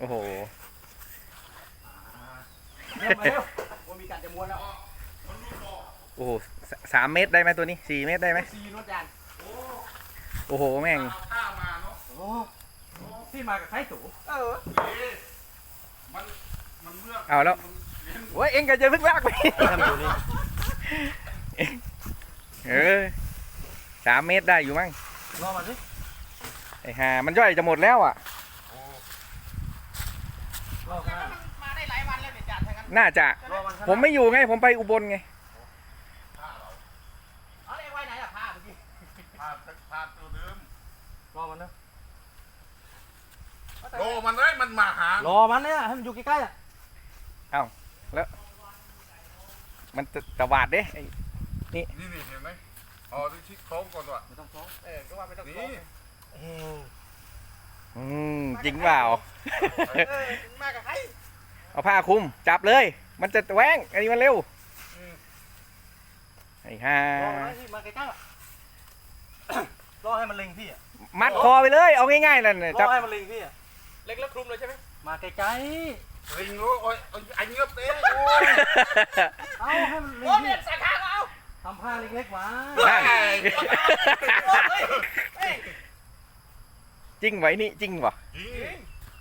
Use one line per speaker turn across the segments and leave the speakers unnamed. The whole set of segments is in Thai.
โอ้โห
เริ่มมาเร็วมันมีการจะม้วนแล้ว
โอ้โห3 เมตรได้ไหมตัวนี้4 เมตรได้ไหม
ซีนวดจาน
โอ้โหแม่ง
ข้ามาเนาะ
โอ้พี่มากับใครตู่
มันเมื่อ
เอาแล้วโอ้ยเอ็งก็จะพึ่งลากไป3 เมตรได้อยู่มั้ง
รอมาสิ
ไอ้ห่ามันย่อยจะหมดแล้วอ่ะ
รอมา
มาได้หลายวันแล้วเนี่ยจ่าทั้งนั้น
น่าจะ
รอมัน
ผมไม่อยู่ไงผมไปอุบลไง
เอาไว้ไหนล่ะผ้าเมื่อกี้
พาตัวเดิม
รอมันนะ
โลมันเลยมันมาหาร
อมันเนี่ยให้มันอยู่ใกล้ๆอ่ะ
มันตะวาดเด้ไอ้
นี่เห็นไหมอ๋อดูชิดโค้งก่อนว่ะ
ไม่ต้องฟ้อง
ก็ว่าไม่ต้อง
นี่
จริงเปล่า
มากับใคร
เอาผ้าคลุมจับเลย มันจะแหวงอันนี้มันเร็วไอ้ห่าร
อมันที่มาใกล้ๆอ่ะรอให้มันเล็งพี่อ่ะ
มัดคอไปเลยเอาง่ายๆนั่นน่ะ
ร
จั
อบ ให้มันเล็งพี่อ่ะ
เล็กแล้วคลุมเลยใช่ไหม
มาใกล้
ลิงรู้โอ้ยไอ้เงือบเต้
ๆเอาให้มันเล็ง
โอ้
พี่
เนี่ยสาขาเอา
ทำผ้าเล็กๆมา
นั่น
เฮ้ย
จริงไว้นี่จริงวะ
ยิง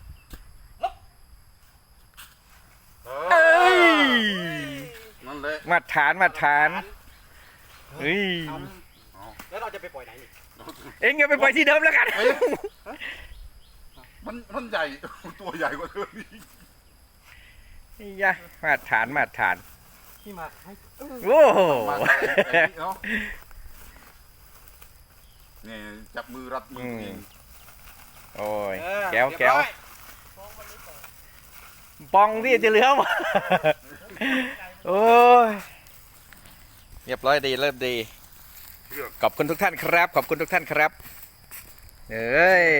เอ้ย
นั่นเลย
มาตรฐานเฮ้ย
แล้วเราจะไปปล่อยไหนนี่
เอ็งอย่าไปปล่อยที่เดิมแล้วกัน
มันใหญ่ตัวใหญ่กว่าเธอนี่
นี่ยะมาตรฐาน
พี่มาให้
โอ้โห
มาไอ้นี่เนาะนี่จับมือรัดมือเอง
โอ้ยแก้วปองที่จะเหลือวะโอ้ยเรียบร้อยดีเริ่มดีขอบคุณทุกท่านครับขอบคุณทุกท่านครับเอ้ย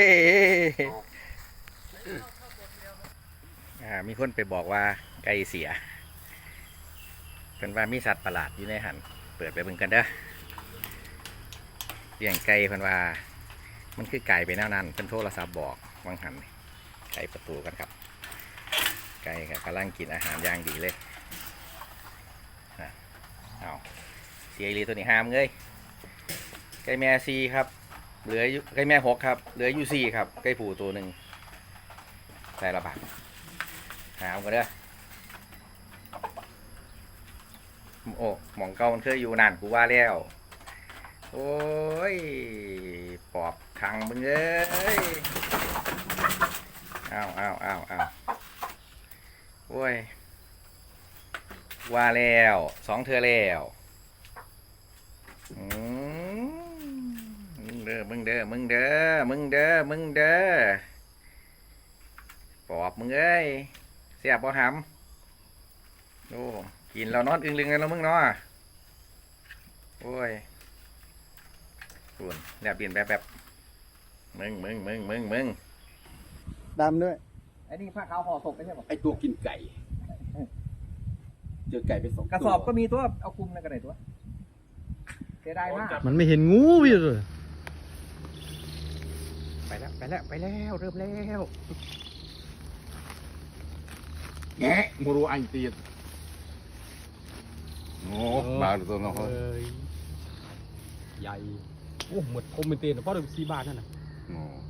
มีคนไปบอกว่าไก่เสียเป็นว่ามีสัตว์ประหลาดอยู่ในหันเปิดไปเบิ่งกันเด้อเลี้ยงไก่เพิ่นว่ามันคือไก่ไปแนวนั้นเป็นโทรศัพท์บอกวางหันไก่ประตูกันครับไก่กำลังกินอาหารอย่างดีเลยเอาเสียอีหลีตัวนี้ห้ามเลยไก่แม่ซีครับเหลือไก่แม่6ครับเหลืออยู่4ครับไก่ผูตัวหนึ่งใส่ระบาดหามกันเด้อโอ้หมองเก่ามันเคยอยู่นานกูว่าแล้วโอ้ยปอบขังมึงเอ้ยอ้าวโอ้ยว่าแล้ว2 เทื่อแล้วมึงเด้อปอบมึงเอ้ยเสียบบ่หำโอ้กินเรานอนอึ้งลึงกันแล้วมึงเนาะโอ้ยปุ่นแบบเปลี่ยนแบบมึง
ดำด้วย
ไอ้นี่ผ้าขาวห่อศพไม่ใช่หรอ
ไอ้ตัวกินไก่เจอไก่ไป2
กระสอบก็มีตัวเอาคุมในกระไหนตัวเสียดายมาก
มันไม่เห็นงูพี่เลย
ไปแล้วเริ่มแล้ว
แงะมูรูอันตีนโอ้บาดตัวน้อง
ใหญ่โอ้หมดคมเป็นเตียนเพราะเดิม4 บาทนั่นน่ะ
โอ้